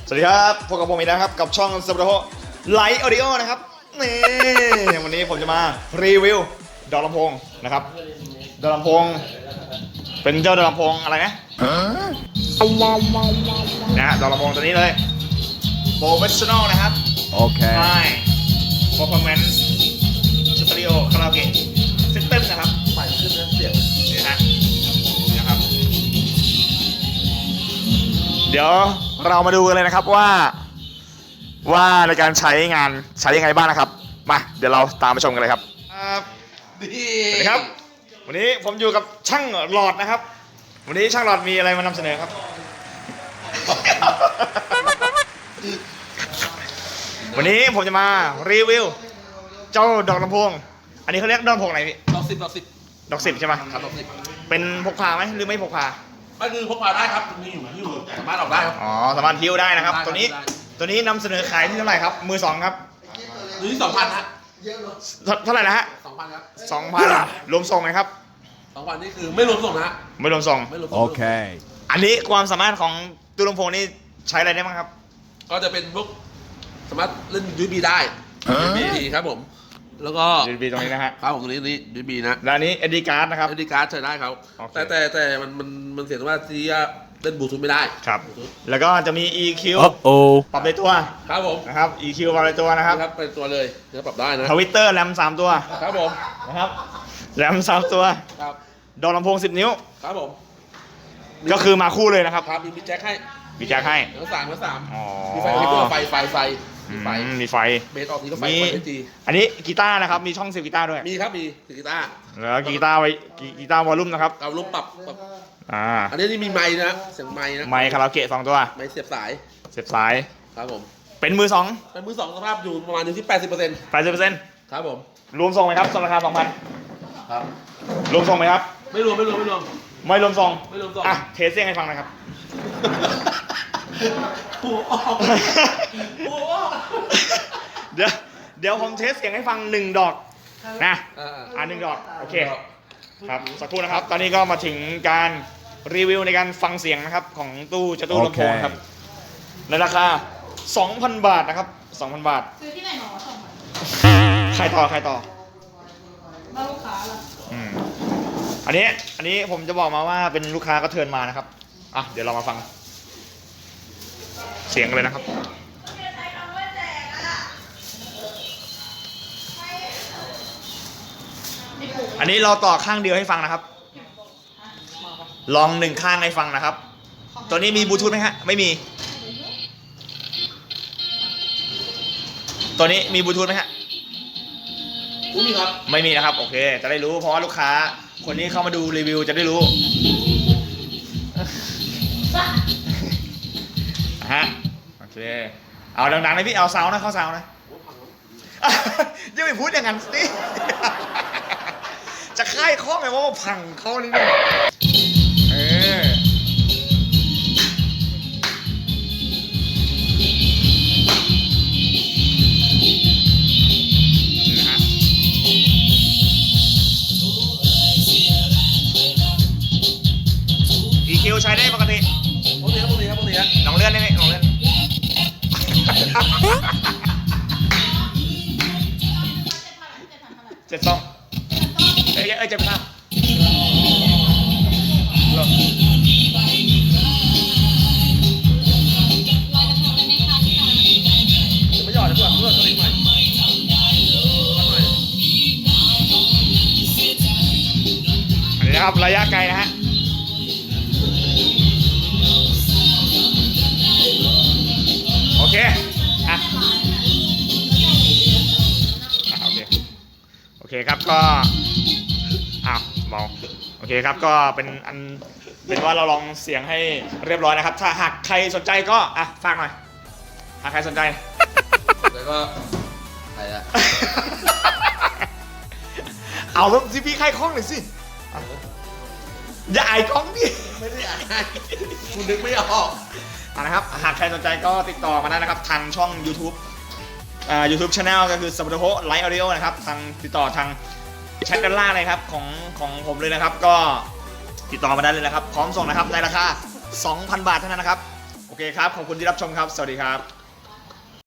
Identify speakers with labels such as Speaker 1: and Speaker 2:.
Speaker 1: สวัสดีครับพบกับผมอีกแล้วครับกับช่องซับโดโฮไลท์ออดิโอนะครับนี่วันนี้ผมจะมารีวิวดอกลำโพงนะครับดอกลำโพงเป็นเจ้าดอกลำโพงอะไรนะนะฮะดอกลำโพงตัวนี้เลย Professional นะครับ
Speaker 2: โอเค
Speaker 1: High Performance Stereo Karaoke System นะครับ
Speaker 3: ใหม่ขึ้นนะเสียง
Speaker 1: นี่ฮะนะครับเดี๋ยวเรามาดูกันเลยนะครับว่าในการใช้งานใช้ยังไงบ้างนะครับมาเดี๋ยวเราตามไปชมกันเลยครับ
Speaker 3: ดี
Speaker 1: สวัสดีครับวันนี้ผมอยู่กับช่างหลอดนะครับวันนี้ช่างหลอดมีอะไรมานำเสนอครับ วันนี้ผมจะมารีวิวเจ้าดอกลำโพงอันนี้เขาเรียกดอกลำโพงอะไรพี่
Speaker 3: ดอก10
Speaker 1: ดอก10ใช่ไหม
Speaker 3: ครับดอก10
Speaker 1: เป็นพกพาไหมหรือไม่พกพา
Speaker 3: ก็คือพกพาได้ครับมีอยู่สามารถออกได้ครับ
Speaker 1: อ๋อสามารถหิ้วได้นะครับ
Speaker 3: ได้
Speaker 1: ตัวนี้
Speaker 3: ได้
Speaker 1: ตัวนี้นำเสนอขายที่เท่าไหร่ครับมือสองครับ
Speaker 3: อยู่ที่2,000ฮะ
Speaker 1: เท่าไหร่นะฮะ
Speaker 3: 2,000ครับ
Speaker 1: 2,000รวมส่งไหมครับ
Speaker 3: 2,000นี่คือไม่รวมส่งนะฮะ
Speaker 1: ไม่รวมส่ง
Speaker 3: ไม่รวมส่ง
Speaker 2: โอเค
Speaker 1: อันนี้ความสามารถของตู้ลำโพงนี่ใช้อะไรได้บ้างครับ
Speaker 3: ก็จะเป็นพวกสามารถเล่น USB ได้ USB ครับผม แล้วก็
Speaker 1: USB ตรงนี้นะฮะ
Speaker 3: ครับผมตรงนี้ USB นะ
Speaker 1: และอันนี้ SD card นะครับ
Speaker 3: SD card ใช้ได้ครับ
Speaker 1: โอเค
Speaker 3: แต่มันเสียว่าที่เล่นบลูทูธไม่ได้
Speaker 1: ครับ แล้วก็จะมี EQ
Speaker 2: โอ้
Speaker 1: ปรับในตัว
Speaker 3: ครับผม
Speaker 1: นะครับ EQ ปรับในตัวนะครับ
Speaker 3: ครับเป็นตัวเลยจะปรับได้นะ
Speaker 1: ทวิตเตอร์แรม3ตัว
Speaker 3: ครับผม
Speaker 1: นะครับแรม3ตัว
Speaker 3: ครับ
Speaker 1: ดอกลำโพง10 นิ้ว
Speaker 3: ครับผม
Speaker 1: ก็คือมาคู่เลยนะครับ
Speaker 3: ครับมีแจ็คให้
Speaker 1: มีแจ็คให้
Speaker 3: แล้วสามแล้วสาม
Speaker 1: อ๋อ
Speaker 3: มีไฟมีตัวไฟมีไฟ
Speaker 1: มีไฟ
Speaker 3: เบสออกทีก็ไฟ
Speaker 1: มี
Speaker 3: ไฟไม่ตี
Speaker 1: อันนี้กีตาร์นะครับมีช่องเสียบกีตาร์ด้วย
Speaker 3: มีครับมีกีตาร์
Speaker 1: แล้วกีตาร์ไว้กีตาร์วอลลุ่มนะครับ
Speaker 3: เอาลมปรับ อันนี้มีไม้นะเสียงไม้นะ
Speaker 1: ไมค์คาราโอเกะ2ตัว
Speaker 3: ไม้เสียบสาย
Speaker 1: เสียบสาย
Speaker 3: ครับผม
Speaker 1: เป็นมือ2
Speaker 3: เป็นมือสองสภาพอยู่ประมาณอยู่ที่80%
Speaker 1: 80%
Speaker 3: ครับผม
Speaker 1: รวมส่งไหมครับส่งราคา
Speaker 3: ครับ
Speaker 1: 2,000รวมส่งไหมครับ
Speaker 3: ไม่รวม
Speaker 1: ไม่รวมส่ง
Speaker 3: ไม่รวมส่ง
Speaker 1: อ่ะเทสเสียงให้ฟังหนะครับ
Speaker 3: หัวออกหัวออก
Speaker 1: เดี๋ยวผมเทสเสียงให้ฟัง1 ดอกนะ1 ดอกโอเคครับสักครู่นะครับ ตอนนี้ก็มาถึงการรีวิวในการฟังเสียงนะครับของตู้ลำโพงครับในราคา 2,000 บาทนะครับ 2,000 บาท
Speaker 4: ซื้อที่ไหนหนอ2,000
Speaker 1: ใครต่อ
Speaker 4: บ้านลูกค้าล่ะ
Speaker 1: อันนี้ผมจะบอกมาว่าเป็นลูกค้าก็เทิร์นมานะครับอ่ะเดี๋ยวเรามาฟังเสียงกันเลยนะครับอันนี้เราต่อข้างเดียวให้ฟังนะครับลอง1 ข้างให้ฟังนะครับตัวนี้มีบลูทูธไหมฮะไม่มีตัวนี้มีบลูทูธไหมฮะ
Speaker 3: มีครับ
Speaker 1: ไม่มีนะครับโอเคจะได้รู้เพราะว่าลูกค้าคนนี้เข้ามาดูรีวิวจะได้รู้ฮะโอเคเอาดังๆเลยพี่เอาซาวนะเข้าซาวนะอย่าไปพูดอย่างนั้นสิจะค่ายข้อไงว่าพังเขานี่เนี่ยEQ ใช้ได้ปกติ
Speaker 3: พวกนี้ครับ
Speaker 1: ลองเลื่อนได้ไหมลองเลื่อน7 2เอ้ย7 5
Speaker 3: จะไม่หยอดเลยเพื่อนตัวนี้ใหม่
Speaker 1: อันนี้นะครับระยะไกลนะฮะโอเคอ่ะโอเคครับก็เบาโอเคครับก็เป็นว่าเราลองเสียงให้เรียบร้อยนะครับถ้าหากใครสนใจก็ฝากหน่อยหากใครสนใจ
Speaker 3: แล้วก็ใครอะ
Speaker 1: เอาแล้วสิพี่ใครคล้องหน่อยสิอย่าอายกล้องดิ
Speaker 3: ไม่ได้อ่านคุณนึกไม่ออก
Speaker 1: นะครับหากใครสนใจก็ติดต่อมาได้นะครับทางช่อง YouTube YouTube Channel ก็คือ Sabotaho Light Audio นะครับทางติดต่อทางแชทด้านล่างเลยครับของผมเลยนะครับก็ติดต่อมาได้เลยนะครับพร้อมส่งนะครับในราคา 2,000 บาทเท่านั้นนะครับโอเคครับ ขอบคุณที่รับชมครับ สวัสดีครับ